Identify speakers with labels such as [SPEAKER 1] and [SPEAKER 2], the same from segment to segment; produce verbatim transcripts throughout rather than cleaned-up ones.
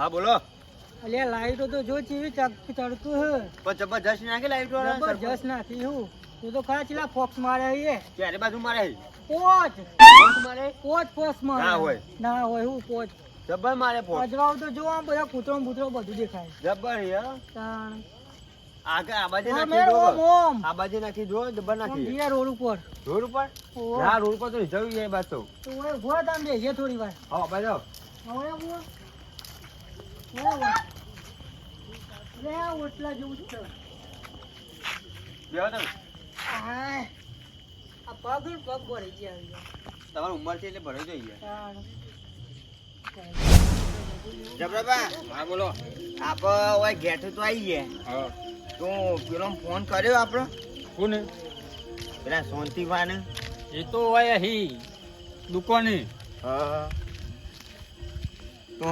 [SPEAKER 1] હા બોલો.
[SPEAKER 2] અલ્યા લાઈટો તો જો ચીવી ચડતું હે.
[SPEAKER 1] પણ જબરજસ્ત નાખી લાઈટો વાળા.
[SPEAKER 2] જબરજસ્ત નાખી હું. તું તો ખરા ચીલા ફોક્સ મારે હે.
[SPEAKER 1] ચારે બાજુ મારે હે.
[SPEAKER 2] પોચ.
[SPEAKER 1] ફોક્સ મારે.
[SPEAKER 2] પોચ ફોક્સ મારે.
[SPEAKER 1] ના હોય.
[SPEAKER 2] ના હોય હું પોચ.
[SPEAKER 1] જબર મારે ફોક્સ.
[SPEAKER 2] અજવાળ તો જો આમ બધા કૂતરો બૂતરો બધું દેખાય.
[SPEAKER 1] જબર હે.
[SPEAKER 2] તાણ.
[SPEAKER 1] આગળ આ બાજુ
[SPEAKER 2] ઓમ
[SPEAKER 1] નાખી જો.
[SPEAKER 2] ઓમ ઓમ.
[SPEAKER 1] આ બાજુ નાખી જો જબર
[SPEAKER 2] ઓમ
[SPEAKER 1] નાખી.
[SPEAKER 2] જીયા રોડ ઉપર.
[SPEAKER 1] રોડ ઉપર?
[SPEAKER 2] ઓહો.
[SPEAKER 1] ના રોડ ઉપર તો જવું એ બાત તો.
[SPEAKER 2] તો ઓય ભોત આમ બેસીએ થોડી વાર.
[SPEAKER 1] હા બાજો.
[SPEAKER 2] હવે બોલ. ઓય. લે આ ઓટલા જેવું છે.
[SPEAKER 1] બેહો તમે.
[SPEAKER 2] હાય. આ પગ ને પગ ભરી ગયા.
[SPEAKER 1] તમારી ઉંમર છે એટલે ભરાઈ જોઈએ.
[SPEAKER 2] તાણ.
[SPEAKER 1] જબરાબા. હા બોલો. આપ ઓય ઘેઠ તો આવી ગયા. હા. તો પેલો ફોન કર્યો આપણો?
[SPEAKER 3] કોને?
[SPEAKER 1] પેલા શાંતિભાઈને.
[SPEAKER 3] એ તો હોય હી દુકાને.
[SPEAKER 1] હા. તો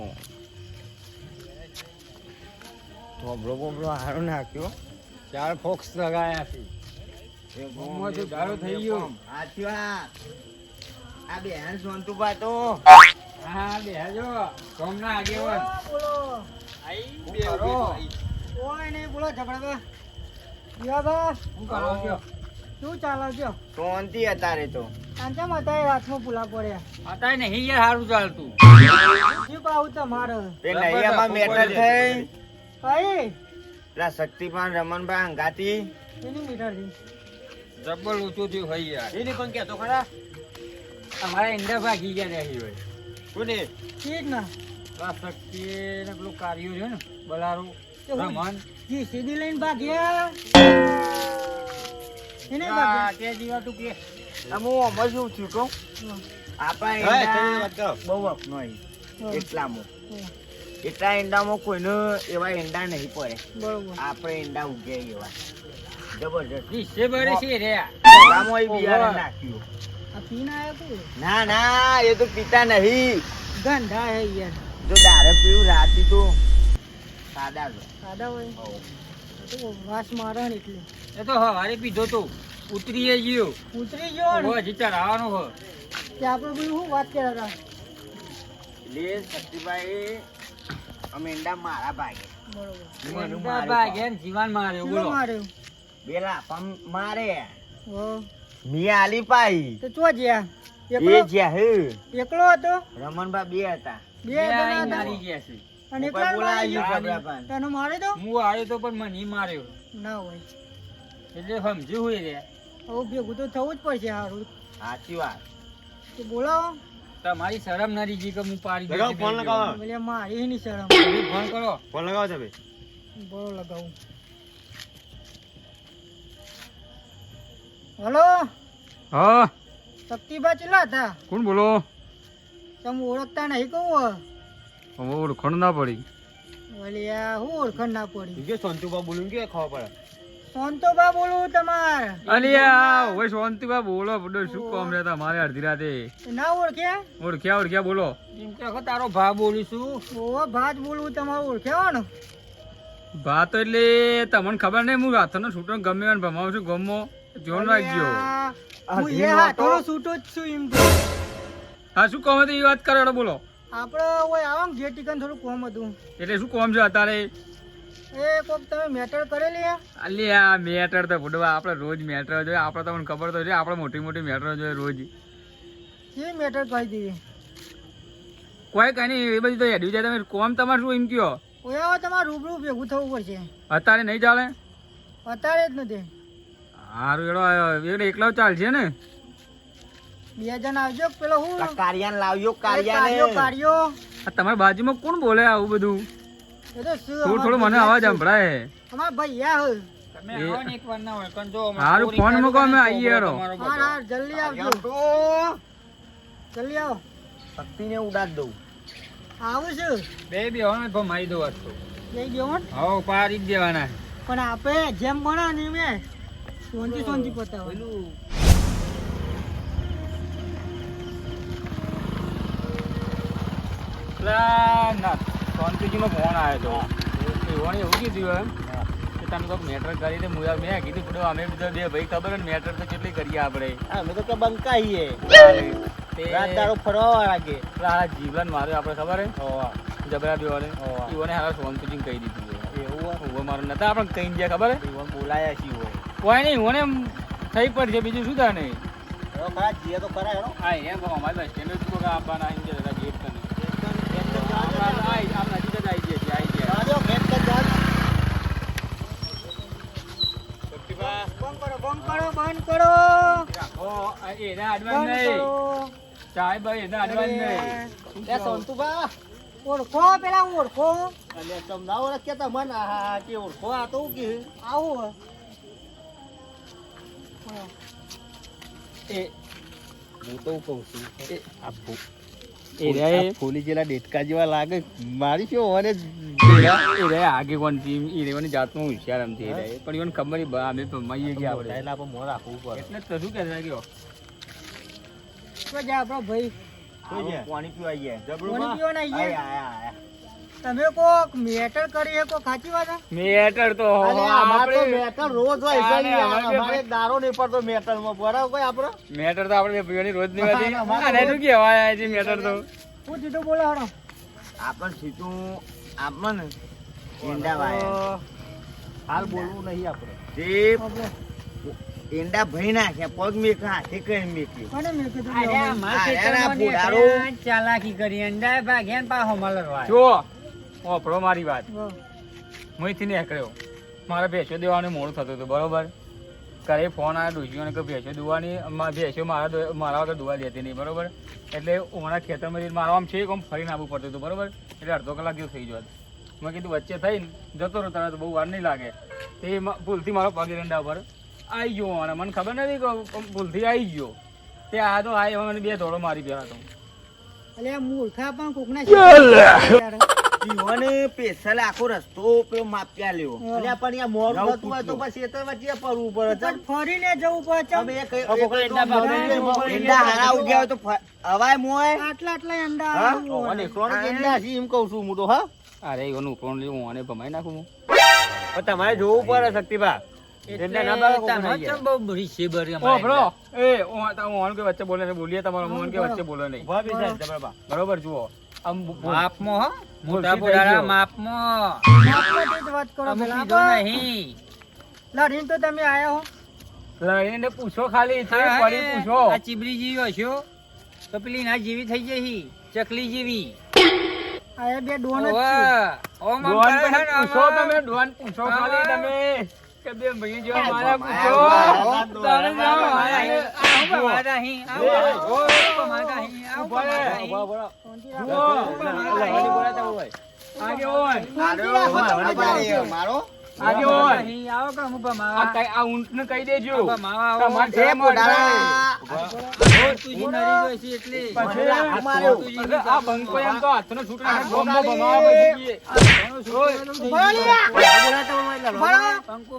[SPEAKER 1] થોબડો બોબડો હારો નાખ્યો.
[SPEAKER 3] ચાર ફોક્સ લગાયા છે.
[SPEAKER 1] એ
[SPEAKER 3] ગોમમાં તો દારૂ થઈ ગયો.
[SPEAKER 1] સાચી વાત. આ બેન શાંતુભા તો
[SPEAKER 3] હા બેહજો સોમના આગેવાન.
[SPEAKER 2] બોલો.
[SPEAKER 3] આઈ
[SPEAKER 1] શું
[SPEAKER 3] બે
[SPEAKER 1] કરો?
[SPEAKER 2] ઓય નહીં બોલો ઝઘડા યા બા
[SPEAKER 3] હું કરો છો?
[SPEAKER 2] શું ચાલે છે?
[SPEAKER 1] શાંતિ અત્યારે તો.
[SPEAKER 2] કાંચા માતા રાતમાં પુલા પડ્યા.
[SPEAKER 3] આતા નહીં યાર સારું ચાલતું.
[SPEAKER 2] શું પાવું તમારે?
[SPEAKER 1] તે નૈયામાં મેટર થઈ.
[SPEAKER 2] કઈ?
[SPEAKER 1] પેલા શક્તિપાન રમણભાઈ અંગાતી.
[SPEAKER 2] એની મીટર થી.
[SPEAKER 3] જબ્બર ઊંચું થયું હોય યાર.
[SPEAKER 1] એની પણ કહેતો ખરા.
[SPEAKER 3] અમારા ઈંડા ભાગી ગયા રહી હોય.
[SPEAKER 1] કોને?
[SPEAKER 2] ઠીક ના.
[SPEAKER 3] આ શક્તિ ને પેલું કાર્યો છે ને બલારું રમણ.
[SPEAKER 2] જી સીધી લઈને ભાગ્યા. એને
[SPEAKER 3] આ
[SPEAKER 2] ભાગ્યા.
[SPEAKER 3] તે જીવા તું કે
[SPEAKER 1] હું અમર શું થયું કહું? આપણા ઈંડા બહુ અપનાવી. એટલામાં એટલા ઈંડામાં કોઈને એવા ઈંડા નહીં પડે.
[SPEAKER 2] બરોબર.
[SPEAKER 1] આપણે ઈંડા ઉગ્યા એવા જબરજસ્ત.
[SPEAKER 3] દિશે બરે છે રે.
[SPEAKER 1] ગામમાં ઈ બિયારણ નાખ્યું.
[SPEAKER 2] આ પીને આયો તું?
[SPEAKER 1] ના ના એ તો પીતા નહીં.
[SPEAKER 2] ગંધા હે યાર.
[SPEAKER 1] જો દારૂ પીવું રાતી તો સાદા જો.
[SPEAKER 2] સાદા હોય. તો વાસ મારે ને એટલે.
[SPEAKER 3] એ તો હવારે પીધો તો ઉતરીએ ગયો.
[SPEAKER 2] ઉતરી ગયો ને.
[SPEAKER 3] ઓ હજી ચઢાવવાનો હો.
[SPEAKER 2] તે આપણે બધું શું વાત કર્યા હતા?
[SPEAKER 1] એટલે શક્તિભાઈ અમે ઈંડા મારા ભાગે.
[SPEAKER 2] બરોબર.
[SPEAKER 1] એનું
[SPEAKER 3] ઈંડા
[SPEAKER 1] મારું
[SPEAKER 3] ભાગે ને જીવાન માર્યો
[SPEAKER 2] કેટલો
[SPEAKER 3] બોલો.
[SPEAKER 2] માર્યો?
[SPEAKER 1] બેલા પમ મારે
[SPEAKER 2] હો.
[SPEAKER 1] મી આલી પાઈ.
[SPEAKER 2] તો ચો જ્યા?
[SPEAKER 1] એ
[SPEAKER 2] એકલો
[SPEAKER 1] જ્યાં હે
[SPEAKER 2] એકલો હતો?
[SPEAKER 1] રમણભા બે હતા.
[SPEAKER 2] બે
[SPEAKER 3] બે
[SPEAKER 2] જણા
[SPEAKER 3] આઈને
[SPEAKER 2] હતા?
[SPEAKER 3] મારી ગયા છે.
[SPEAKER 2] અને
[SPEAKER 1] ઉપર
[SPEAKER 2] એકલા
[SPEAKER 1] બોલાવ્યું
[SPEAKER 2] માર્યો?
[SPEAKER 1] જબરાપાન.
[SPEAKER 2] તને મારે તો?
[SPEAKER 3] હું આવ્યો તો પણ મને ઈ માર્યો.
[SPEAKER 2] ના હોય.
[SPEAKER 3] એટલે સમજ્યું હોય રે.
[SPEAKER 2] હવે ભેગું તો થવું જ પડશે હારું.
[SPEAKER 1] સાચી વાત.
[SPEAKER 2] તો બોલાવો.
[SPEAKER 3] તમારી શરમ ના રીજી કે હું પાડી
[SPEAKER 1] લગાવો,
[SPEAKER 3] દઉં.
[SPEAKER 1] ફોન લગાવો.
[SPEAKER 2] બોલે મારી ની શરમ.
[SPEAKER 3] તમે ફોન કરો.
[SPEAKER 1] ફોન લગાવો તમે.
[SPEAKER 2] બોલો લગાવું. હલો
[SPEAKER 3] હા
[SPEAKER 2] શક્તિભા ચેલા હતા?
[SPEAKER 3] કોણ બોલો?
[SPEAKER 2] તમે ઓળખતા નહીં કહું?
[SPEAKER 3] હવે ઓળખણ ના પડી.
[SPEAKER 2] બોલે આ હું ઓળખણ ના પડી.
[SPEAKER 1] કે સંતુભા બોલું કે ખબર પડે.
[SPEAKER 2] શાંતોબા બોલું તમાર.
[SPEAKER 3] અલિયા ઓય શાંતિબા બોલો બડો શું કામ રહેતા મારે અડધી રાતે
[SPEAKER 2] ના ઓળખ્યા?
[SPEAKER 3] ઓળખ્યા ઓળખ્યા બોલો. એમ કે તારો ભા બોલું છું.
[SPEAKER 2] ઓહો ભાત બોલવું તમારું ઓળખ્યા ને?
[SPEAKER 3] ભા તો એટલે તમને ખબર નહીં હું હાથનો છૂટો ગમે એમ ભમાવું છું ગમો જોન રાખજો.
[SPEAKER 2] હું એ હાથોનો છૂટો જ છું એમ તો.
[SPEAKER 3] હા શું કામ હતું એ વાત કરો બોલો.
[SPEAKER 2] આપણે ઓય આવો ને ઘેર ટીકન થોડું કોમ હતું.
[SPEAKER 3] એટલે શું કામ છે અત્યારે?
[SPEAKER 2] એ કોક તમે મેટર કરેલી હે?
[SPEAKER 3] અલિયા મેટર તો ભૂડવા આપણે રોજ મેટર જોઈએ. આપણે તમને ખબર તો છે આપણે મોટી મોટી મેટર જોઈએ રોજ.
[SPEAKER 2] કે મેટર કહી દીધી?
[SPEAKER 3] કોઈ કઈ નહીં એ બધી તો હેડ્યું જાય. તમે કોમ તમારે શું એમ કયો?
[SPEAKER 2] ઓય આવો તમારે રૂબરૂ ભેગું થવું પડશે.
[SPEAKER 3] અત્યારે નહીં ચાલે?
[SPEAKER 2] અત્યારે જ નથી.
[SPEAKER 3] સારું એડો એટલે એકલો ચાલશે ને?
[SPEAKER 2] બે જણ આવજો. પેલો હું
[SPEAKER 1] કારિયાન લાવ્યો
[SPEAKER 2] કાર્યો
[SPEAKER 1] કારિયાને.
[SPEAKER 2] કાર્યો.
[SPEAKER 3] આ તમારી બાજુમાં કોણ બોલે આવું બધું?
[SPEAKER 2] એ તો શું
[SPEAKER 3] થોડું થોડું મને અવાજ સંભળાય.
[SPEAKER 2] અમાર ભાઈ યા હે.
[SPEAKER 3] તમે આવો ને એકવાર ના હોય કન જો હારું ફોન મૂકો અમે આવીએ હેરો.
[SPEAKER 2] હા હા જલ્દી આવજો.
[SPEAKER 1] તો
[SPEAKER 2] જલ્દી આવો.
[SPEAKER 1] શક્તિને ઉડાડ દઉં.
[SPEAKER 2] આવું છું.
[SPEAKER 3] બે બે હોને તો મારી દો વાત તો.
[SPEAKER 2] જઈ ગયો હો.
[SPEAKER 3] હાવ પારી જ દેવાના.
[SPEAKER 2] પણ આપે જેમ બના ને મેં સોંતી સોંતી પતાવો.
[SPEAKER 3] ના ના શાંતિજીનો ફોન આવ્યો હતો. એવોને એવું કીધું એમ કે તમે કોઈક મેટર કરી દે. મુયા મેં કીધું પડો અમે બધા બે ભાઈ ખબર ને મેટર તો કેટલી કરીએ આપણે.
[SPEAKER 1] અમે તો કે બંકાઈએ
[SPEAKER 3] તે
[SPEAKER 1] રાત દાડો ફરવા લાગે.
[SPEAKER 3] પેલા જીવન માર્યો આપણે ખબર હે. જબરા બેવાને
[SPEAKER 1] ઓવા.
[SPEAKER 3] ઈવોને હારા સોનતુજીને કહી દીધું છે.
[SPEAKER 1] એવું હોય?
[SPEAKER 3] ઉભો મારો નતા આપણે કઈ ગયા ખબર હે?
[SPEAKER 1] ઈવોને બોલાયા છીએ હોય.
[SPEAKER 3] કોઈ નહીં ઓને એમ થઈ પડશે બીજું શું થાય નહીં.
[SPEAKER 1] હેડો ખરા જીએ તો ખરા હેડો.
[SPEAKER 3] હા એમ કહો અમારે બસ સ્ટેન્ડ જ કોકા આપવાના આઈ ગયા હતા ગેટ તને. આઈ આમ નજીક જ આઈ ગયા છે આઈ ગયા.
[SPEAKER 1] જાજો, ભેટ કર જાજો.
[SPEAKER 3] શક્તિભા
[SPEAKER 2] બંધ કરો બંધ કરો બંધ કરો
[SPEAKER 3] ઓ એના અડવાન્સ
[SPEAKER 2] બંધ
[SPEAKER 3] નહીં.
[SPEAKER 2] કરો
[SPEAKER 3] સાહેબ ભાઈ એના અડવાન્સ નહીં.
[SPEAKER 1] એ સોનતુભા,
[SPEAKER 2] ઓળખો પેલા ઓળખો
[SPEAKER 1] અલ્યા તમ ના ઓળખ્યા તા મને. આ હા કે ઓળખો આ તો હું કે
[SPEAKER 2] આવું
[SPEAKER 3] એ
[SPEAKER 1] હું તો કહું છું
[SPEAKER 3] એ
[SPEAKER 1] આ ફૂ-
[SPEAKER 3] એ રે
[SPEAKER 1] આ ફૂલી જેલા ડેટકા જેવા લાગે. મારી શું મને
[SPEAKER 3] એ રે આગે કોણ ટીમ એ રેવાની જાતમાં હોશિયાર એમ થી રે પણ ઈવન ખબર નહીં બા અમે ભમાઈએ ગયા આપણે
[SPEAKER 1] એટલે આપણે મોં રાખવું પડે.
[SPEAKER 3] એટલે જ તો શું કહેતા ગયો
[SPEAKER 2] તો જા આપણો ભાઈ
[SPEAKER 1] શું છે? પાણી પીવા ગયા. જબરું
[SPEAKER 2] પાણી
[SPEAKER 1] બા.
[SPEAKER 2] પીવાના આઈ ગયા?
[SPEAKER 1] આયા, આયા, આયા.
[SPEAKER 2] તમે કોક મેટર કરી શકો સાચી વાત હે?
[SPEAKER 3] મેટર તો
[SPEAKER 1] અરે અમાર તો
[SPEAKER 3] આપણે
[SPEAKER 1] મેટલ રોજ હોય છે.
[SPEAKER 3] આને અમારે બે
[SPEAKER 1] અમારે દારો નહીં પડતો મેટલમાં. બરાબર કોઈ આપણો?
[SPEAKER 3] મેટર તો આપણે પીવાની રોજ ની વાતી
[SPEAKER 1] ના, ના,
[SPEAKER 3] આને શું કહેવાય છે મેટર તો
[SPEAKER 2] હું સીધું બોલો હડો
[SPEAKER 1] આપણ સીધું આપણ ને ઈંડા વાયા. હાલ બોલવું નહીં આપણે. જે ઈંડા ભરી નાખ્યા પગ મેકા હાથે કઈ મેકી.
[SPEAKER 2] કોને મેં કીધું
[SPEAKER 4] અરે
[SPEAKER 2] લેવાનું?
[SPEAKER 4] અમારા
[SPEAKER 1] અરે
[SPEAKER 4] ખેતરમાં
[SPEAKER 1] પોડારો.
[SPEAKER 4] નીકળ્યા, ચાલાકી કરી અંડા ભાગ્યા ને પાછો મલરવા.
[SPEAKER 3] જો ઓપડો મારી વાત
[SPEAKER 2] વાહ.
[SPEAKER 3] હું અહીંથી નીકળ્યો મારે ભેંસો દેવાનું મોડું થતું હતું બરોબર ઘરે ફોન આવ્યો ડોશીઓને કે ભેંસો દુવાની ભેંસો મારા દો- મારા વગર દુવા દેતી નહીં બરોબર એટલે મારા ખેતરમાં મારા આમ છે આમ ફરીને આવવું પડતું હતું બરોબર એટલે અડધો કલાક જેવું થઈ ગયો મેં કીધું વચ્ચે થઈને જતો રહો તરત બહુ વાર નહીં લાગે તે મ- ભૂલથી મારો પગ એરંડા પર આવી ગયો અને મને ખબર નથી કે ભૂલથી આવી ગયો તે આ તો આ મને બે ધોળો મારી ગયા હતો
[SPEAKER 2] અલે આ મૂર્ખા પણ કોકના શીખવાડે.
[SPEAKER 1] જીવોને પેશલ આખો રસ્તો પેલો માપ્યા લેવો.
[SPEAKER 2] હા.
[SPEAKER 1] અલ્યા પણ યા મોડું
[SPEAKER 3] નવ
[SPEAKER 1] થતું હોય તો
[SPEAKER 3] ફૂટનો.
[SPEAKER 1] પછી એ તો વચ્ચે પડવું પડે.
[SPEAKER 2] પણ ફરીને જવું પડે ચમ.
[SPEAKER 1] અમે એક- એક-
[SPEAKER 3] આ કોકના
[SPEAKER 1] એક-
[SPEAKER 3] ઈંડા ભાગી
[SPEAKER 1] ઈંડા
[SPEAKER 3] ગયા, મોકલી
[SPEAKER 1] ઈંડા
[SPEAKER 3] ગયા.
[SPEAKER 1] હારા ઉગ્યા હોય તો ફ- અવાય મોય.
[SPEAKER 2] આટલા આટલા અંડા
[SPEAKER 1] હા?
[SPEAKER 2] આવું હોય.
[SPEAKER 1] અને એકલોનો જ ઈંડા છે એમ કહું છું હું તો. હા?
[SPEAKER 3] અરે એનું ઉપરણ લેવું મને ભમાઈ નાખું હું
[SPEAKER 1] પણ તમારે જોવું પડે શક્તિભા.
[SPEAKER 4] એટલે
[SPEAKER 1] ઈંડા ના ભાગે કોકના
[SPEAKER 4] તમે
[SPEAKER 1] ઈંડા.
[SPEAKER 4] ચમ બહુ બધી શેબરી
[SPEAKER 3] ઓ
[SPEAKER 4] અમારે
[SPEAKER 3] બ્રો એ ઓન તો ઓન કે વચ્ચે બોલે છે બોલીએ તમારો મોહન કે વચ્ચે બોલે નહીં
[SPEAKER 1] ઉભા બેસાય જબરબા.
[SPEAKER 3] બરોબર જુઓ આમ બોલ.
[SPEAKER 4] માપમાં હો મોટા
[SPEAKER 3] ભૂલથી થઈ
[SPEAKER 4] પોડાના
[SPEAKER 3] ગયો.
[SPEAKER 4] માપમાં
[SPEAKER 2] આપણાથી જ વાત કરો
[SPEAKER 4] અમે
[SPEAKER 2] પેલા.
[SPEAKER 4] કીધો
[SPEAKER 2] આપો.
[SPEAKER 4] નહીં
[SPEAKER 2] લડીને તો તમે આયા હો.
[SPEAKER 3] લઈને પૂછો ખાલી તે
[SPEAKER 4] હા,
[SPEAKER 3] પડી
[SPEAKER 4] એ
[SPEAKER 3] પૂછો
[SPEAKER 4] આ ચીબરી જેવી હશો તો પેલી ના જેવી થઈ જઈ ચકલી જેવી
[SPEAKER 2] આયા બે ડોન જ
[SPEAKER 4] ઓવે.
[SPEAKER 2] છે.
[SPEAKER 4] ઓમ આમ
[SPEAKER 3] ડોન
[SPEAKER 4] કરે છે
[SPEAKER 3] પણ
[SPEAKER 4] ને
[SPEAKER 3] પૂછો
[SPEAKER 4] આમાં.
[SPEAKER 3] તમે ડોન પૂછો ખાલી
[SPEAKER 4] આમાં.
[SPEAKER 3] તમે કે બે ભાઈ જેવા મારા પૂછો
[SPEAKER 1] આવા,
[SPEAKER 3] તમે જાઓ,
[SPEAKER 4] આવા,
[SPEAKER 3] આયા.
[SPEAKER 4] આયા. આ હું ભમાતા અહીં, આ હું ભમાતા અહીં, આ હું ભમાતા અહીં, આ હું
[SPEAKER 3] ઉભા રહે.
[SPEAKER 4] ભમાતા અહીં.
[SPEAKER 1] ઉભા, ઉભા.
[SPEAKER 2] શાંતિ
[SPEAKER 3] જુઓ.
[SPEAKER 2] રાખો.
[SPEAKER 1] લઈને બોલાતા હોય.
[SPEAKER 3] આગે ઓન
[SPEAKER 2] શાંતિ રાખો તમે
[SPEAKER 1] મારો,
[SPEAKER 2] બધા.
[SPEAKER 1] મારો.
[SPEAKER 3] આગે
[SPEAKER 4] હું ભમાતા
[SPEAKER 3] ઓન
[SPEAKER 4] અહીં, આવો કે હું
[SPEAKER 3] આ
[SPEAKER 4] ભમાવા.
[SPEAKER 3] કઈ આ ઊંટને કહી દેજો
[SPEAKER 4] આ ભમાવા આવો.
[SPEAKER 3] તમારે
[SPEAKER 1] એ
[SPEAKER 3] શરમ આવે.
[SPEAKER 1] પોડારા.
[SPEAKER 4] તુજી નરી જોઈ છે એટલે.
[SPEAKER 3] પછી
[SPEAKER 1] લાખ માર્યો.
[SPEAKER 3] અરે આ બંકો એમ તો હાથનો છૂટો નાખે, ગોમમાં ભમાવા પછી ગયે.
[SPEAKER 2] ઉભા રહો લ્યા.
[SPEAKER 1] બોલાતા હોય એટલે
[SPEAKER 2] ઉભા રહો.
[SPEAKER 4] પંકુ.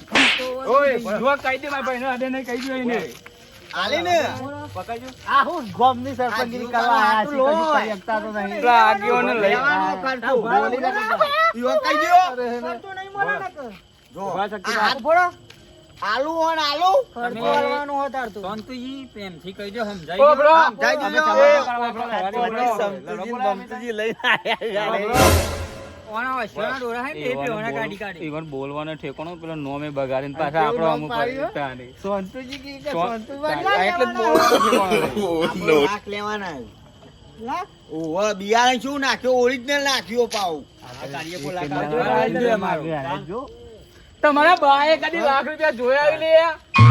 [SPEAKER 3] ઓય જો કહી દે મારા ભાઈને અડે નહીં કહી દો એને
[SPEAKER 1] આલી ને.
[SPEAKER 3] પકડજો
[SPEAKER 1] આ હું ગોમની સરપંચગીરી કરવા આયા છીએ, કશું કરી શકતા તો નહીં.
[SPEAKER 3] પેલા આગેવાને લઈ
[SPEAKER 1] લેવાનું કાઢતું. બોલી નાખો. ઈવન કહી દ્યો.
[SPEAKER 2] કરતો નહીં મને નકર.
[SPEAKER 1] જો,
[SPEAKER 3] ઉભા શક્તિ
[SPEAKER 1] આ
[SPEAKER 3] રાખ.
[SPEAKER 2] ઉભો રહો.
[SPEAKER 1] આલુ ઓન આલુ.
[SPEAKER 2] ખર્ચો હાલવાનું હોત હારતું.
[SPEAKER 4] શાંતુજી પ્રેમથી કહી દો સમજાઈ
[SPEAKER 3] ઓ
[SPEAKER 4] ગયું?
[SPEAKER 3] બ્રો
[SPEAKER 1] જઈ
[SPEAKER 3] અમે
[SPEAKER 1] જજો.
[SPEAKER 3] તમારે કરવા કરવા
[SPEAKER 1] પછી
[SPEAKER 3] કરવા
[SPEAKER 1] સમતુજી ને બમતુજી લઈને આયા
[SPEAKER 3] કરવા.
[SPEAKER 1] યાર.
[SPEAKER 4] ઓના વસ્યોના ડોરા હે ને એ બી ઓના કાઢી કાઢી.
[SPEAKER 3] ઈવન બોલવાનો ઠેકાણો પેલો નોમે બગાડીને પાછા
[SPEAKER 1] કેવું
[SPEAKER 3] આપણો
[SPEAKER 1] નામ
[SPEAKER 3] અમુક
[SPEAKER 1] પાડ્યું?
[SPEAKER 3] તાની.
[SPEAKER 1] સોનતુજી કી કે
[SPEAKER 3] સોન-
[SPEAKER 1] સોનતુભાઈ?
[SPEAKER 3] આ એટલે જ બોલવાનો ઠેકાણો નહીં.
[SPEAKER 1] આપણે લાખ લેવાના.
[SPEAKER 2] લાખ.
[SPEAKER 1] ઓહો, બિયારણ શું નાખ્યો? ઓરિજિનલ નાખ્યો પાઉ. આ કાર્ય બોલા
[SPEAKER 3] એક
[SPEAKER 1] કાઢજો.
[SPEAKER 3] મિનિટ
[SPEAKER 4] આ જોઈએ અમારું.
[SPEAKER 1] જો.
[SPEAKER 3] તમારા બાએ કદી લાખ રૂપિયા જોયા આવી લે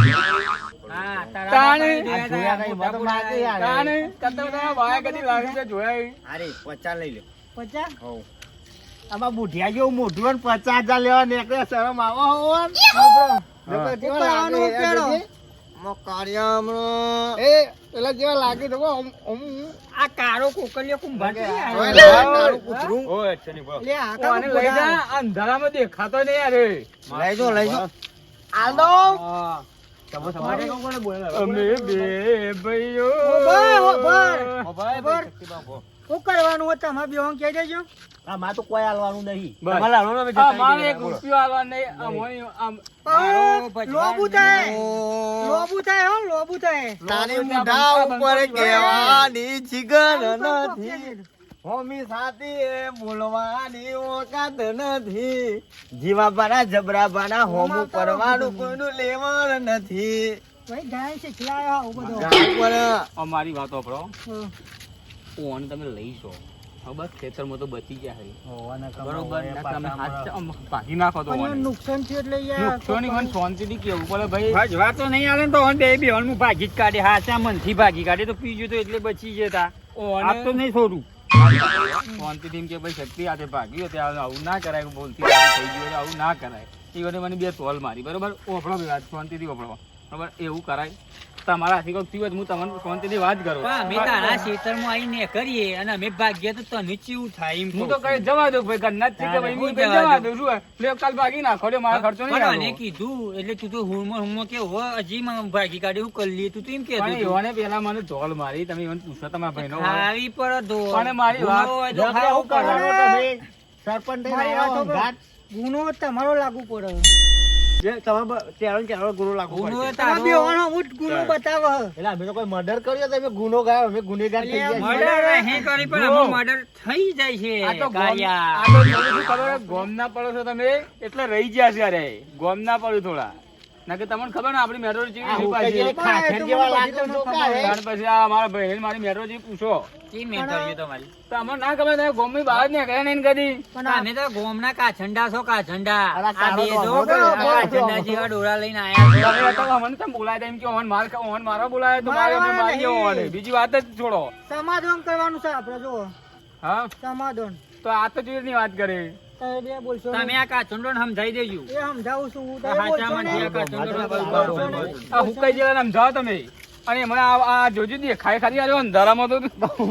[SPEAKER 4] હા, તારા
[SPEAKER 3] તાણે.
[SPEAKER 4] બાપાએ
[SPEAKER 1] આ જોયા નહીં,
[SPEAKER 4] મોટા
[SPEAKER 1] મત
[SPEAKER 4] પોડા
[SPEAKER 1] માગે યાર.
[SPEAKER 3] તાને કરતા તમારા બાએ કદી લાખ રૂપિયા જોયા આવી
[SPEAKER 1] અરે પચાસ લઈ લો.
[SPEAKER 2] પચાસ.
[SPEAKER 1] હોવ. આમાં બુઢિયા જેવું મોઢું હોય ને પચાસ હજાર લેવા નીકળે, શરમ આવો હોવો ને?
[SPEAKER 3] હા.
[SPEAKER 1] નકર કેવા
[SPEAKER 2] ઉપર આવવાનું
[SPEAKER 1] લાગે,
[SPEAKER 2] પેલો.
[SPEAKER 1] એ આમાં કાર્યમાં એ પેલા જેવા લાગે તો કહો, આમ- આમ
[SPEAKER 4] આ કારો કોકલિયો કુંભાર છે યાર.
[SPEAKER 1] હોય ને, તારું કૂતરું.
[SPEAKER 3] ઓય ચની બો
[SPEAKER 2] લે આ
[SPEAKER 3] ઓ આને લઈ જા અંધારામાં દેખાતો નહીં યાર એ.
[SPEAKER 1] લઈ જો લઈ જો. આલ દો.
[SPEAKER 4] હા.
[SPEAKER 3] અમે બે ભાઈઓ
[SPEAKER 2] ઉભા, ઉભા.
[SPEAKER 1] ઉભા,
[SPEAKER 2] ઉભા.
[SPEAKER 1] ઉભા.
[SPEAKER 2] શું કરવાનું હોય તમારે બેહોન કહી દેજો.
[SPEAKER 1] આ માં તો કોઈ હાલવાનું નહીં.
[SPEAKER 3] બસ.
[SPEAKER 1] તમારે હાલવાનું અમે
[SPEAKER 3] આ
[SPEAKER 1] જતા
[SPEAKER 3] મારે
[SPEAKER 1] રહીએ.
[SPEAKER 3] એક રૂપિયો આલવા નહીં આ મોય આમ
[SPEAKER 4] મારો
[SPEAKER 2] પણ
[SPEAKER 4] ભજવાન
[SPEAKER 2] લોબુ થાય.
[SPEAKER 1] ઓ,
[SPEAKER 2] લોબુ થાય હો, લોબુ થાય.
[SPEAKER 1] તારી મોઢા ઉપર કહેવાની જીગર નથી. હોમી સાથી એ બોલવાની ઓકાત નથી, જીવા બાના જબરા બાના હોમું પરવાનું કોઈનું લેવણ નથી.
[SPEAKER 2] ભાઈ ગાય છે ખિલાયો આવું બધું.
[SPEAKER 1] ગાય પર
[SPEAKER 3] અમારી વાત સાંભળો,
[SPEAKER 2] હમ.
[SPEAKER 3] ઓન તમે લઈ જો બસ ખેતરમાં તો બચી ગયા છે
[SPEAKER 2] હોવાના કામ
[SPEAKER 3] બરોબર
[SPEAKER 2] હોય,
[SPEAKER 3] ને
[SPEAKER 2] પાછા
[SPEAKER 3] તમે હાથ
[SPEAKER 2] મારા-
[SPEAKER 3] આમ ભાગી નાખો તો
[SPEAKER 2] પણ
[SPEAKER 3] ઓને.
[SPEAKER 2] નુકસાન થયું એટલે યાર
[SPEAKER 3] નુકસાની મને શાંતિથી કેવું પડે ભાઈ.
[SPEAKER 4] ભાઈ વાતો નહીં આલે ને તો બે બે હું ભાગી જ કાઢે હાચા મનથી ભાગી કાઢે તો પીજો તો એટલે બચી જતા
[SPEAKER 3] ઓને-
[SPEAKER 4] આ તો નહીં છોડું
[SPEAKER 3] શાંતિથી એમ કે ભાઈ શક્તિ હાથે ભાગ્યો ત્યાં આવું ના કરાય, બોલતી થઈ ગયું એટલે આવું ના કરાય. એ વખતે મને બે તોલ મારી બરોબર. ઓફળો ભાઈ વાત શાંતિથી ઓફળો બરોબર. એવું કરાય તમારા હાથી કોઈક થયું હોય તો હું તમને શાંતિથી વાત કરું.
[SPEAKER 4] પણ અમે તારા ખેતરમાં આવીને કરીએ અને અમે ભાગ્યા તો તને ચેવું થાય એમ
[SPEAKER 3] હું તો કઈ જવા દઉં ભાઈ ઘરના જ છે કે ભાઈ હું કઈ જવા દઉં છું એટલે કાલ ભાગી નાખો એટલે મારા ખર્ચો નહીં
[SPEAKER 4] પણ
[SPEAKER 3] આવે.
[SPEAKER 4] આને કીધું એટલે તું તો હુંમાં હુંમાં કે હો હજી માં ભાગી કાઢી હું કરી લઈએ તું તો એમ
[SPEAKER 3] પણ
[SPEAKER 4] કહેતો
[SPEAKER 3] એવાને પેલા મને ધોલ મારી, તમે એને પૂછો તમારા ભાઈનો હોય.
[SPEAKER 4] ખાવી પડે તો
[SPEAKER 3] પણ મારી વાત
[SPEAKER 1] જો કે આવું કરવાનું તમે સરપંચ થઈને
[SPEAKER 2] મારી
[SPEAKER 1] આવ્યા
[SPEAKER 2] વાતો
[SPEAKER 1] હો, ઘાટ.
[SPEAKER 2] ગુનો તમારો લાગુ પડે.
[SPEAKER 1] જે તમે બ- તેરો ને તેરો ગુનો લાગુ
[SPEAKER 4] ગુનો
[SPEAKER 1] પડશે.
[SPEAKER 4] એ તારો.
[SPEAKER 2] તમે બેવાનો હું જ ગુનો બતાવો.
[SPEAKER 1] એટલે અમે તો કોઈ મર્ડર કર્યો તમે ગુનો ગાયો, અમે ગુનેગાર થઈ ગયા છીએ.
[SPEAKER 4] મર્ડર અહીં કરી પણ આમાં મર્ડર થઈ જાય છે
[SPEAKER 3] આ તો ગોમ-
[SPEAKER 4] કાયા.
[SPEAKER 3] આ તો થોડું શું ખબર હોય, ગોમના પડો છો તમે એટલે રહી ગયા છે. અરે ગોમના પડો થોડા ના કે તમને ખબર ને આપણી મેટ્રો
[SPEAKER 1] આ
[SPEAKER 3] જેવી
[SPEAKER 1] હુક્કા
[SPEAKER 3] પાછી.
[SPEAKER 1] જેવા ખાખર જેવા લાગે તો જોકા હે.
[SPEAKER 3] ત્યાર પછી આ મારા ભાઈ મારી મેટ્રો જેવી પૂછો
[SPEAKER 4] કેમ મેં કર્યું તમારી
[SPEAKER 3] તો અમને ના ખબર તમે ગોમની બહાર નીકળ્યા નહીં કદી.
[SPEAKER 2] પણ આ-
[SPEAKER 4] અમે તો ગોમના કાછંડા છો કાછંડા
[SPEAKER 1] અલા,
[SPEAKER 4] આ
[SPEAKER 1] કાળો
[SPEAKER 4] બે
[SPEAKER 1] તો
[SPEAKER 4] જો
[SPEAKER 1] હોતો
[SPEAKER 4] આ
[SPEAKER 1] ને,
[SPEAKER 4] કાછંડા જેવા ડોરા લઈને આયા
[SPEAKER 3] તમે
[SPEAKER 4] છો.
[SPEAKER 3] હતા અમને તમે બોલાય એમ કે ઓન માર ઓન મારો બોલાય તો મારે અમે
[SPEAKER 2] મારવાના
[SPEAKER 3] મારીએ
[SPEAKER 2] નહીં.
[SPEAKER 3] ઓને. બીજી વાત જ છોડો.
[SPEAKER 2] સમાધાન કરવાનું છે આપણે જો
[SPEAKER 3] હા
[SPEAKER 2] સમાધાન.
[SPEAKER 3] તો આ તો ચીજની વાત કરી.
[SPEAKER 2] તમે બે બોલશો
[SPEAKER 4] તમે આ કાછંડો ને સમજાઈ દેજો
[SPEAKER 2] એ સમજાવું છું હું.
[SPEAKER 4] આ
[SPEAKER 2] તમે
[SPEAKER 4] હાચા
[SPEAKER 2] બોલશો ને.
[SPEAKER 4] માંથી આ કાછંડો ને
[SPEAKER 2] બોલશો
[SPEAKER 4] બોલશો
[SPEAKER 2] ને.
[SPEAKER 4] ને.
[SPEAKER 3] આ હુકાઈ જેવા નામ જાઓ તમે. અને મને આ આ જોજો દે ખાઈ ખાલી આવ્યો અંધારામાં તો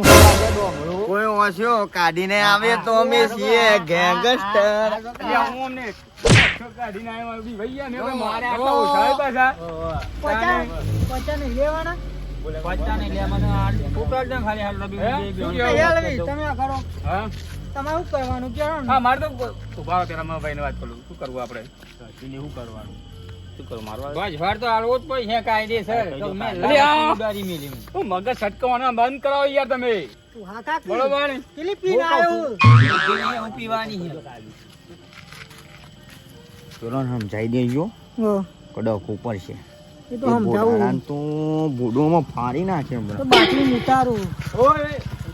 [SPEAKER 1] કોઈ ઓછો કાઢીને આવે તો અમે છીએ ગેંગસ્ટર.
[SPEAKER 3] અલ્યા હું અમને કાઢીને આવ્યો બી ભૈયા મેં કોઈ મારે આટલા ઓછા પાછા.
[SPEAKER 2] પચાસ પચાસ નહીં લેવાના.
[SPEAKER 4] બચ્ચા ને લે મને આ ફૂટલ દે ખાલી હાલ લબી
[SPEAKER 3] હે?
[SPEAKER 4] બે બે
[SPEAKER 3] શું
[SPEAKER 2] એ
[SPEAKER 3] કેવું?
[SPEAKER 2] હાલવી, તમે આ કરો.
[SPEAKER 3] હા
[SPEAKER 2] તમારે શું કરવાનું કહો ને.
[SPEAKER 3] હા મારે તો ઉભા રહો પેલા મારા ભાઈને વાત કરું. શું કરવું આપણે શું કરવાનું શું કરું મારવા
[SPEAKER 4] બસ વાર તો હાલવો જ પડશે કાયદેસર તો મેં
[SPEAKER 3] અરે આ!
[SPEAKER 4] ઉડાડી મેલી હું.
[SPEAKER 3] હું મગજ છટકવાના બંધ કરાવો યાર તમે.
[SPEAKER 2] તું હાથ હાથ
[SPEAKER 3] બરોબર
[SPEAKER 2] કેટલી પીને આવ્યો.
[SPEAKER 4] જેને હું પીવાની છે
[SPEAKER 1] પેલો સમજાઈ દેજો
[SPEAKER 2] હો,
[SPEAKER 1] કડક ઉપર છે.
[SPEAKER 2] એ તો સમજાવું.
[SPEAKER 1] તો બુડોમાં ફાડી નાખે હમણાં.
[SPEAKER 2] તો બાટલી ઉતારું.
[SPEAKER 3] ઓય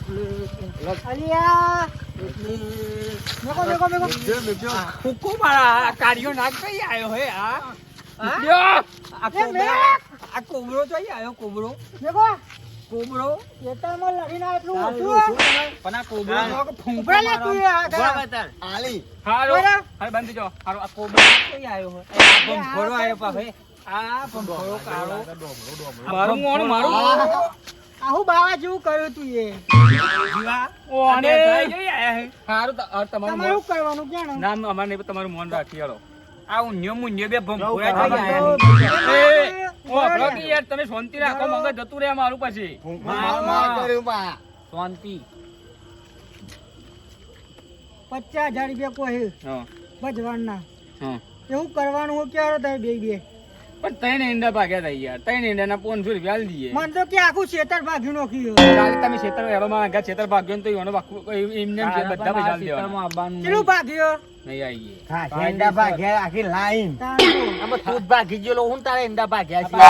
[SPEAKER 2] અલિયા મેકો મેકો મેકો.
[SPEAKER 4] ફૂકો મારા આ કાર્યો નાખ કઈ આવ્યો હે આ હા?
[SPEAKER 3] યો!
[SPEAKER 4] આ
[SPEAKER 2] એ
[SPEAKER 4] કોબરો
[SPEAKER 2] મેક!
[SPEAKER 4] આ કોબરો તો અહીં આવ્યો કોબરો
[SPEAKER 2] મેકો
[SPEAKER 4] કોબરો
[SPEAKER 2] ખેતરમાં લડીને આ એટલું
[SPEAKER 1] તારું
[SPEAKER 2] ઓછું
[SPEAKER 1] શું
[SPEAKER 2] હે?
[SPEAKER 1] કહેવાય?
[SPEAKER 4] પણ આ કોબરો
[SPEAKER 1] હા.
[SPEAKER 4] તો ફૂંકો
[SPEAKER 2] ઉભા લે તું એ
[SPEAKER 4] મારવાનો.
[SPEAKER 2] હાથ
[SPEAKER 4] ઉભા
[SPEAKER 2] આ.
[SPEAKER 4] બતાર.
[SPEAKER 1] આલી
[SPEAKER 3] હારો
[SPEAKER 2] બરાબર.
[SPEAKER 3] હારો બંધ જો હારો આ
[SPEAKER 4] કોબરો કઈ આવ્યો હે? આ ભંભોળો આવ્યો પાછો હે. આ ભંભોળો કાળો
[SPEAKER 3] મારું મોણ મારું
[SPEAKER 2] આહુ બાવા જેવું કર્યું તું એ.
[SPEAKER 4] જીવા
[SPEAKER 3] ઓ અને હારું તો આ તમારું
[SPEAKER 2] તમારે
[SPEAKER 3] મોણ-
[SPEAKER 2] શું કરવાનું ક્યાં
[SPEAKER 3] નામ અમારે નહીં, તમારું મોન રાખી હાલો.
[SPEAKER 4] આ ઉન્યો મુન્યો બે ભંભોળા
[SPEAKER 1] હા,
[SPEAKER 4] થઈ
[SPEAKER 1] હા,
[SPEAKER 4] ગયા
[SPEAKER 3] એ, ઓ ભગત યાર તમે શાંતિ રાખો, મગજ જતું રહે મારું પછી.
[SPEAKER 1] માર માર કર્યું બા.
[SPEAKER 4] શાંતિ
[SPEAKER 2] પચાસ હજાર રૂપિયા કોઈ
[SPEAKER 3] હા
[SPEAKER 2] ભજવાનના
[SPEAKER 3] હા
[SPEAKER 2] એવું કરવાનું હું ક્યારે તમે બે બે
[SPEAKER 3] પણ ત્રણ ઈંડા ભાગ્યા હતા યાર. ત્રણ ઈંડાના પાંચસો રૂપિયા આલી દઈએ.
[SPEAKER 2] મને તો કે આખું ખેતર ભાગી નાખ્યું.
[SPEAKER 3] કાલે તમે ખેતર હેરોમાં આગળ ખેતર ભાગ્યો ને તો એનો બાકુ- એમને એમ છે, બધા પૈસા આલી દેવાના.
[SPEAKER 2] કેટલું ભાગ્યો?
[SPEAKER 3] નહીં આવીએ.
[SPEAKER 1] હા, ઈંડા ભાગ્યા આખી લાઈન.
[SPEAKER 2] તારું.
[SPEAKER 1] આમાં તું જ ભાગી ગયેલો, હું તારે ઈંડા ભાગ્યા છે.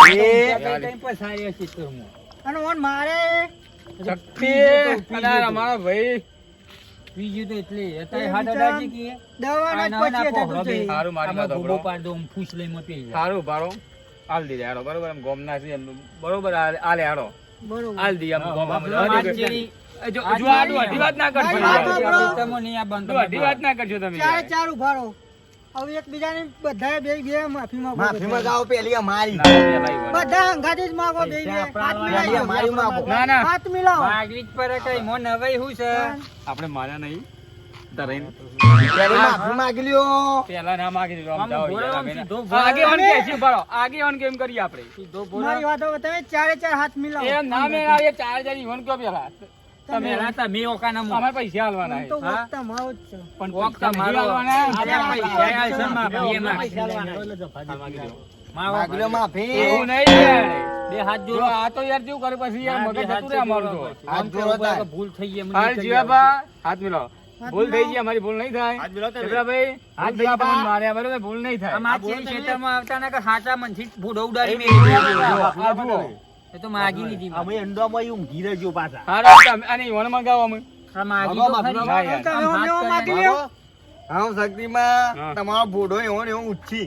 [SPEAKER 2] અને ઓન મારે
[SPEAKER 3] શક્તિ અને અમારા ભાઈ
[SPEAKER 4] બીજું તો એટલે
[SPEAKER 2] એ
[SPEAKER 4] અત્યારે હાથ અડાડી કે
[SPEAKER 2] દવાના જ પચીસ હજાર તું જઈ.
[SPEAKER 3] હારું મારી વાત
[SPEAKER 4] આમાં
[SPEAKER 3] સાંભળો.
[SPEAKER 4] ભૂબો પાડ દો હું ફૂસ લઈ માં પી જાય
[SPEAKER 3] સારું ભારો આલ દીધે હારો બરોબર. એમ ગોમના છે એમ બરોબર આ- આલે હારો
[SPEAKER 2] બરોબર.
[SPEAKER 3] આલ દી એમ ગોમમાં
[SPEAKER 4] બાપલો
[SPEAKER 3] બધા.
[SPEAKER 4] વાત જેવી.
[SPEAKER 3] જો જો આ અઢી વાત ના કરશો
[SPEAKER 2] વાત
[SPEAKER 3] યાર.
[SPEAKER 2] સાંભળો.
[SPEAKER 4] તમે નહીં આ બંધ
[SPEAKER 3] જો અઢી વાત ના કરશો તમે
[SPEAKER 2] ચારે
[SPEAKER 3] યાર.
[SPEAKER 2] ચાર ઉભા રહો. હવે એકબીજાને બધાએ બે બે માફી માંગો.
[SPEAKER 1] માફી મંગાવો પેલી અમારી.
[SPEAKER 3] ના, પેલા ઈ વાત.
[SPEAKER 2] બધા હંગાથે જ માંગો બે બે. હાથ
[SPEAKER 1] પેલી
[SPEAKER 2] મિલાવો.
[SPEAKER 1] અમારી માંગો.
[SPEAKER 3] ના ના
[SPEAKER 2] હાથ મિલાવો.
[SPEAKER 4] માગવી જ પડે કઈ મોં નવાઈ હું છે
[SPEAKER 3] આપણે માર્યા નહીં તરાઈને.
[SPEAKER 1] પેલી માફી માંગી લ્યો.
[SPEAKER 3] પેલા ના માગી દીધો આમ
[SPEAKER 4] આમ
[SPEAKER 3] જાઓ
[SPEAKER 4] ભોળો
[SPEAKER 3] યાર,
[SPEAKER 4] આમ
[SPEAKER 3] અમે
[SPEAKER 4] સીધો
[SPEAKER 3] ના-
[SPEAKER 4] ભોળો.
[SPEAKER 3] આગેવાન કે છે, ભરો. આગેવાન કેમ કરીએ આપણે?
[SPEAKER 4] સીધો
[SPEAKER 2] મારી વાતો તમે ચારે ચાર હાથ મિલાવો.
[SPEAKER 3] એમ ના મેં આવીએ ચાર હજાર ઈવન કયો પેલા તમે
[SPEAKER 4] તમે તમે ઓકાના મોં.
[SPEAKER 3] અમારે પૈસા હાલવાના
[SPEAKER 2] આમ તો
[SPEAKER 3] છે.
[SPEAKER 2] વખત તમારો જ છે.
[SPEAKER 3] પણ
[SPEAKER 4] ઓક
[SPEAKER 3] પૈસા નહીં
[SPEAKER 4] તમારો.
[SPEAKER 3] હાલવાના.
[SPEAKER 4] આલ્યા પૈસા આલશે માં, બે માં.
[SPEAKER 3] હાલ માગી દો.
[SPEAKER 4] માં
[SPEAKER 1] માંગી લ્યો માફી.
[SPEAKER 3] એવું નહીં યાર.
[SPEAKER 4] બે હાથ
[SPEAKER 3] જો
[SPEAKER 4] જોડો
[SPEAKER 3] આ તો યાર કેવું કરે પછી યાર
[SPEAKER 4] હા,
[SPEAKER 3] મગજ
[SPEAKER 4] બે હાથ
[SPEAKER 3] જતું રહે અમારું તો
[SPEAKER 4] જોડો.
[SPEAKER 1] હાથ
[SPEAKER 4] આમ
[SPEAKER 1] જોડો
[SPEAKER 4] કેવું
[SPEAKER 1] તાર.
[SPEAKER 4] કે ભૂલ થઈ ગઈ, એમ
[SPEAKER 3] હાલ
[SPEAKER 4] નીકળી
[SPEAKER 3] જીવાબા હાથ મિલાવો
[SPEAKER 2] હાથ
[SPEAKER 3] ભૂલ થઈ
[SPEAKER 2] મિલાવો.
[SPEAKER 3] ગઈ અમારી ભૂલ નહીં થાય
[SPEAKER 1] હાથ મિલાવો તમે.
[SPEAKER 3] જબરાભાઈ હાથ
[SPEAKER 1] ભૂલ થઈ
[SPEAKER 3] જીવાબા
[SPEAKER 1] ગઈ.
[SPEAKER 3] માર્યા બરોબર ભૂલ નહીં
[SPEAKER 4] જાય.
[SPEAKER 3] થાય
[SPEAKER 4] આમ આ ચેરી ખેતરમાં આવતા ને કે હાચા મનથી ભૂડો ઉડાડી
[SPEAKER 1] એ
[SPEAKER 4] મેલી
[SPEAKER 1] મેલી
[SPEAKER 4] દીધો.
[SPEAKER 1] દીધો.
[SPEAKER 3] આ જુઓ
[SPEAKER 4] એ તો માગી લીધી
[SPEAKER 1] અમે અંડામાં ઊંઘી રહેજો પાછા.
[SPEAKER 3] હારો તમે આને ઈવોને મંગાવો અમે
[SPEAKER 4] આ માગી
[SPEAKER 1] ભગો,
[SPEAKER 4] તો ખરી.
[SPEAKER 1] ભગો,
[SPEAKER 3] ના યાર.
[SPEAKER 4] આમ હાથ
[SPEAKER 2] તમે
[SPEAKER 4] કરીને
[SPEAKER 2] માગી લ્યો.
[SPEAKER 1] હા શક્તિમાં
[SPEAKER 3] હા.
[SPEAKER 1] તમારો ભૂડો એવો ને એવો ઉચ્છી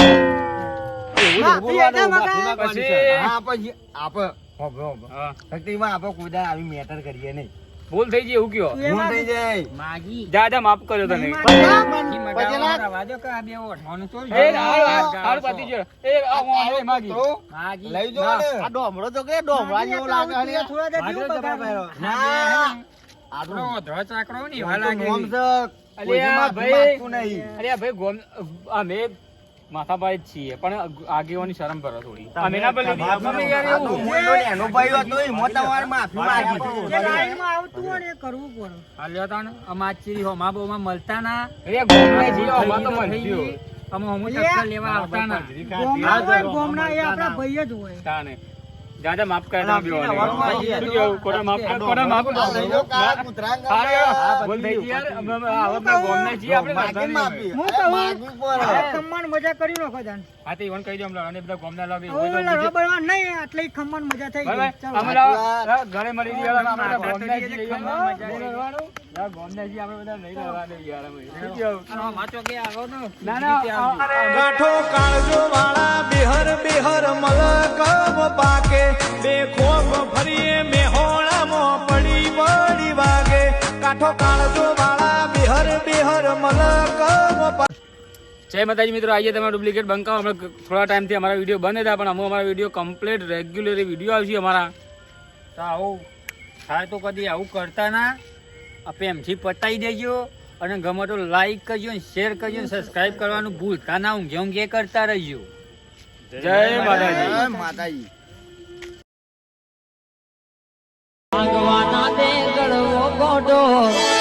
[SPEAKER 2] હા, એના મગા.
[SPEAKER 3] પછી-
[SPEAKER 1] હા પછી આપણે હોભળો, હોભળો.
[SPEAKER 3] હા.
[SPEAKER 1] શક્તિમાં આપણે કોઈ દાડો આવી મેટર કરીએ નહીં.
[SPEAKER 3] ભૂલ થઈ ગઈ એવું કયો
[SPEAKER 2] તું એ
[SPEAKER 1] ભૂલ
[SPEAKER 2] માગી.
[SPEAKER 1] થઈ જાય.
[SPEAKER 4] માગી
[SPEAKER 3] જા જા માફ કર્યો તને
[SPEAKER 2] નહીં માગી.
[SPEAKER 4] માગી
[SPEAKER 1] પછી
[SPEAKER 4] મગાવવા
[SPEAKER 1] ના-
[SPEAKER 4] વાળા વાજો કે આ બે ઓઢવાનું તો
[SPEAKER 3] એ હારું હારું પતી ગયો એ આ હું માગી
[SPEAKER 1] તો
[SPEAKER 4] માગી
[SPEAKER 1] લઈ જો
[SPEAKER 3] ના.
[SPEAKER 1] ને.
[SPEAKER 2] માગી એટલે આવું તે થોડા દે
[SPEAKER 1] માગી
[SPEAKER 2] જેવું
[SPEAKER 1] તો
[SPEAKER 2] બગાડે.
[SPEAKER 1] ના.
[SPEAKER 4] આપણો ઓઢો ચાકરો ને
[SPEAKER 1] આ
[SPEAKER 4] એવા
[SPEAKER 1] તો
[SPEAKER 4] લાગે
[SPEAKER 1] નોમ
[SPEAKER 4] છે.
[SPEAKER 1] છે. કોઈ
[SPEAKER 3] અલ્યા
[SPEAKER 1] માફી
[SPEAKER 3] ભાઈ
[SPEAKER 1] માંગતું નહીં.
[SPEAKER 3] અરે આ ભાઈ ગોમ અમે માથાભાઈ જ છીએ પણ આગેવાની શરમ કરો થોડી અમે ના બોલી
[SPEAKER 1] માફી
[SPEAKER 3] અમે યાર
[SPEAKER 1] આ તો
[SPEAKER 3] એવું
[SPEAKER 1] મોટો ને એનો ભાઈ હતો એ મોટા વાર માફી માંગી.
[SPEAKER 2] જે લાઈનમાં આવતું હોય ને એ કરવું પડે.
[SPEAKER 4] હાલ્યો તા ને અમાર ચીરી હોમા બોમા મળતા ના
[SPEAKER 3] અરે ગોમને જીઓ
[SPEAKER 4] થઈ
[SPEAKER 3] અમાર તો
[SPEAKER 4] ગઈ તો થઈ
[SPEAKER 3] મનસ્યો
[SPEAKER 4] ગઈ. અમે હમું ટક્કર લેવા આવતા ના
[SPEAKER 2] ગોમના હોય ને ગોમના એ આપણા ભાઈ જ હોય.
[SPEAKER 3] તાને જા જા માફ કરે તમે
[SPEAKER 1] અલા,
[SPEAKER 3] બેઓને.
[SPEAKER 1] વાળવા જઈએ.
[SPEAKER 3] શું કેવું? કોના માફ કર, કોના માફ કર.
[SPEAKER 1] આ લઈ લો કાળા કૂતરા
[SPEAKER 3] અરે,
[SPEAKER 1] ગામમાં.
[SPEAKER 3] ભૂલ થઈ ગઈ યાર. અમે અમે આવા બધા ગોમના છીએ આપણે
[SPEAKER 1] માગી
[SPEAKER 3] નડતા
[SPEAKER 1] માફી.
[SPEAKER 3] નહીં.
[SPEAKER 2] હું
[SPEAKER 1] એ
[SPEAKER 2] કહું.
[SPEAKER 1] માગવી પડે.
[SPEAKER 2] આ ખમ્માન મજા કરી નાખો જાન.
[SPEAKER 3] હા તો ઈવન કહી દો અમને અને બધા ગોમના લાગે
[SPEAKER 2] હવે લડવા બળવા નહીં એટલે ઈ ખમ્માન મજા થઈ ગઈ.
[SPEAKER 3] બરાબર?
[SPEAKER 2] ચાલો.
[SPEAKER 3] અમે લાવો, લાવો, ઘરે મળી ગયા અમે બધા
[SPEAKER 4] માથા
[SPEAKER 3] ગોમના
[SPEAKER 4] તળિયે
[SPEAKER 3] છીએ.
[SPEAKER 4] ખમણ મજા
[SPEAKER 3] નહીં
[SPEAKER 4] આવી.
[SPEAKER 3] લડવાનું? લાવો, ગોમના છીએ આપણે બધા નહીં લડવાનું યાર અમે. શું કેવું?
[SPEAKER 4] અને હોમા ચોકે આવો તો
[SPEAKER 3] ના ના
[SPEAKER 4] રીતે આવજો.
[SPEAKER 3] આ- આ-
[SPEAKER 5] કાઠો કાળજો વાળા બેહર બેહર મલકમ પાકે બે ખોબ ફરીએ મેહોણામાં પડી પડી વાગે કાઠો કાળજો વાળા બેહર બેહર મલકમ પાકે.
[SPEAKER 3] જય માતાજી મિત્રો, આજે તમે ડુપ્લિકેટ બંકાઓ હમણાં થોડા ટાઈમથી અમારા વિડીયો બંધ હતા પણ અમે અમારા વિડીયો કમ્પ્લીટ રેગ્યુલરી વિડીયો આવશે અમારા.
[SPEAKER 4] તો આવું થાય તો કદી આવું કરતા ના આ પ્રેમથી પતાઈ દેજો અને ગમે તો લાઈક કરજો ને શેર કરજો ને સબસ્ક્રાઇબ કરવાનું ભૂલતા ના ઊંઘે ઊંઘે કરતા રહેજો.
[SPEAKER 3] જય માતાજી.
[SPEAKER 1] જય માતાજી.
[SPEAKER 2] ભાગવાના દે ગળવો ગોડો